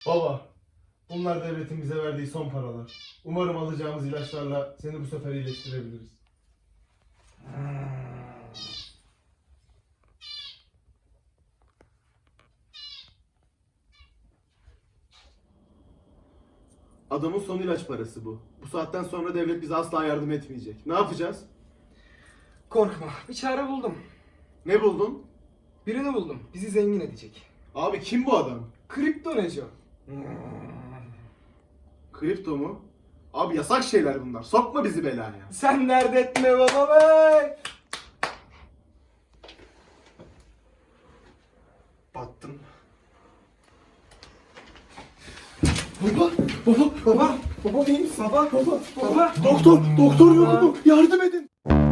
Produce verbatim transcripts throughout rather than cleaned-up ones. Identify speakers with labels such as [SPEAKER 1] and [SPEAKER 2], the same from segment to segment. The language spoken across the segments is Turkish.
[SPEAKER 1] Baba, bunlar devletin bize verdiği son paralar. Umarım alacağımız ilaçlarla seni bu sefer iyileştirebiliriz. Adamın son ilaç parası bu. Bu saatten sonra devlet bize asla yardım etmeyecek. Ne yapacağız?
[SPEAKER 2] Korkma, bir çare buldum.
[SPEAKER 1] Ne buldun?
[SPEAKER 2] Birini buldum, bizi zengin edecek.
[SPEAKER 1] Abi kim bu adam?
[SPEAKER 2] Kripto Neco.
[SPEAKER 1] Kripto mu? Abi yasak şeyler bunlar. Sokma bizi belaya.
[SPEAKER 2] Sen dert etme baba be!
[SPEAKER 1] Battım. Baba, baba, baba, baba iyi misin?
[SPEAKER 2] Baba,
[SPEAKER 1] baba,
[SPEAKER 2] baba.
[SPEAKER 1] Doktor, doktor yok mu? Yardım edin.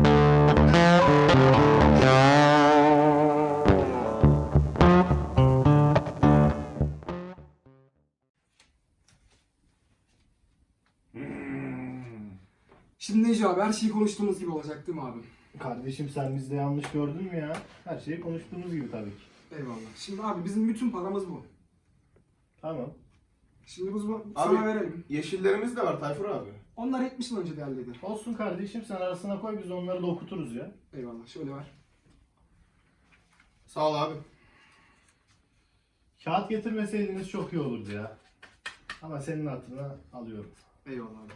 [SPEAKER 2] Şimdi Neco abi, her şeyi konuştuğumuz gibi olacak değil mi abim?
[SPEAKER 3] Kardeşim sen bizde yanlış gördün mü ya? Her şeyi konuştuğumuz gibi tabii ki.
[SPEAKER 2] Eyvallah. Şimdi abi bizim bütün paramız bu.
[SPEAKER 3] Tamam.
[SPEAKER 2] Şimdi biz bu
[SPEAKER 1] Abi-
[SPEAKER 2] sana verelim.
[SPEAKER 1] Yeşillerimiz de var Tayfur abi.
[SPEAKER 2] Onlar yetmiş yıl önce değerliydi.
[SPEAKER 3] Olsun kardeşim sen arasına koy biz onları da okuturuz ya.
[SPEAKER 2] Eyvallah, şöyle ver.
[SPEAKER 1] Sağ ol abi.
[SPEAKER 3] Kağıt getirmeseydiniz çok iyi olurdu ya. Ama senin hatırına alıyorum.
[SPEAKER 2] Eyvallah abi.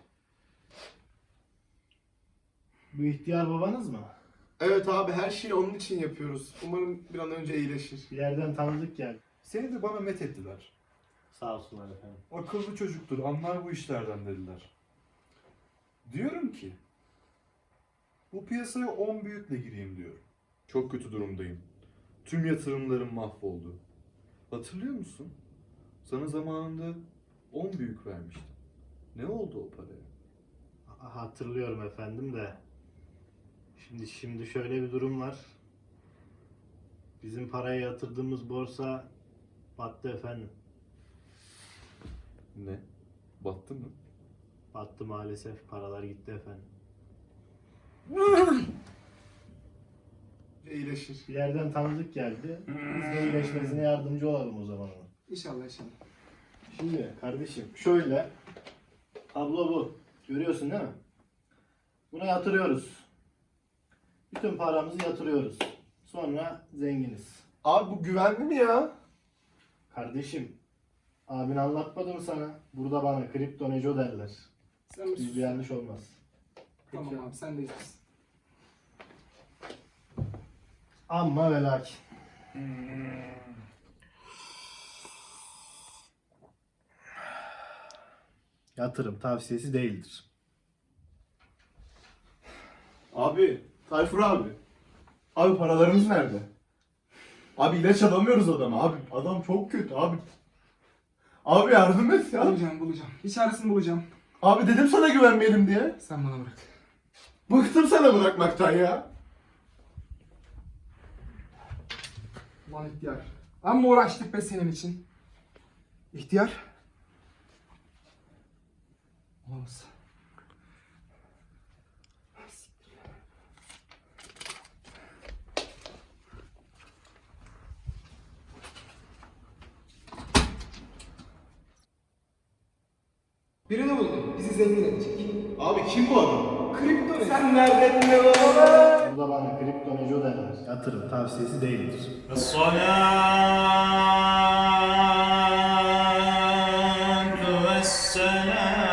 [SPEAKER 3] Bu ihtiyar babanız mı?
[SPEAKER 1] Evet abi her şeyi onun için yapıyoruz. Umarım bir an önce iyileşir.
[SPEAKER 3] Bir yerden tanıdık geldi.
[SPEAKER 4] Seni de bana met ettiler.
[SPEAKER 3] Sağ olsunlar efendim.
[SPEAKER 4] Akıllı çocuktur, anlar bu işlerden dediler. Diyorum ki, bu piyasaya on büyükle gireyim diyorum. Çok kötü durumdayım. Tüm yatırımlarım mahvoldu. Hatırlıyor musun? Sana zamanında on büyük vermiştim. Ne oldu o paraya?
[SPEAKER 3] Ha- Hatırlıyorum efendim de. Şimdi şimdi şöyle bir durum var. Bizim paraya yatırdığımız borsa battı efendim.
[SPEAKER 4] Ne? Battı mı?
[SPEAKER 3] Battı maalesef. Paralar gitti efendim.
[SPEAKER 1] İyileşir.
[SPEAKER 3] Bir yerden tanıdık geldi. Biz de iyileşmesine yardımcı olalım o zaman ona.
[SPEAKER 2] İnşallah inşallah.
[SPEAKER 3] Şimdi kardeşim şöyle. Tablo bu. Görüyorsun değil mi? Buna yatırıyoruz. Bütün paramızı yatırıyoruz. Sonra zenginiz.
[SPEAKER 1] Abi bu güvenli mi ya?
[SPEAKER 3] Kardeşim, abin anlatmadı mı sana? Burada bana kripto neco derler.
[SPEAKER 2] Sen mi sus?
[SPEAKER 3] Bizde yanlış olmaz.
[SPEAKER 2] Tamam abi, sen de iyisin.
[SPEAKER 3] Amma ve lakin. Yatırım tavsiyesi değildir.
[SPEAKER 1] Abi, Tayfur abi. Abi paralarımız nerede? Abi ilaç alamıyoruz adama. Abi adam çok kötü abi. Abi yardım et ya.
[SPEAKER 2] Bulacağım, bulacağım. Bir çaresini bulacağım.
[SPEAKER 1] Abi dedim sana güvenmeyelim diye.
[SPEAKER 2] Sen bana bırak.
[SPEAKER 1] Bıktım sana bırakmaktan ya.
[SPEAKER 2] Ulan ihtiyar. Amma uğraştık be senin için. İhtiyar. Olamaz. Birini buldum. Bizi zengin edecek.
[SPEAKER 1] Abi kim bu adam?
[SPEAKER 2] Kripto ne? Sen nereden ne baba?
[SPEAKER 3] Burada bana kripto neco derler. Yatırım tavsiyesi değildir.
[SPEAKER 5] الصلاة والسلام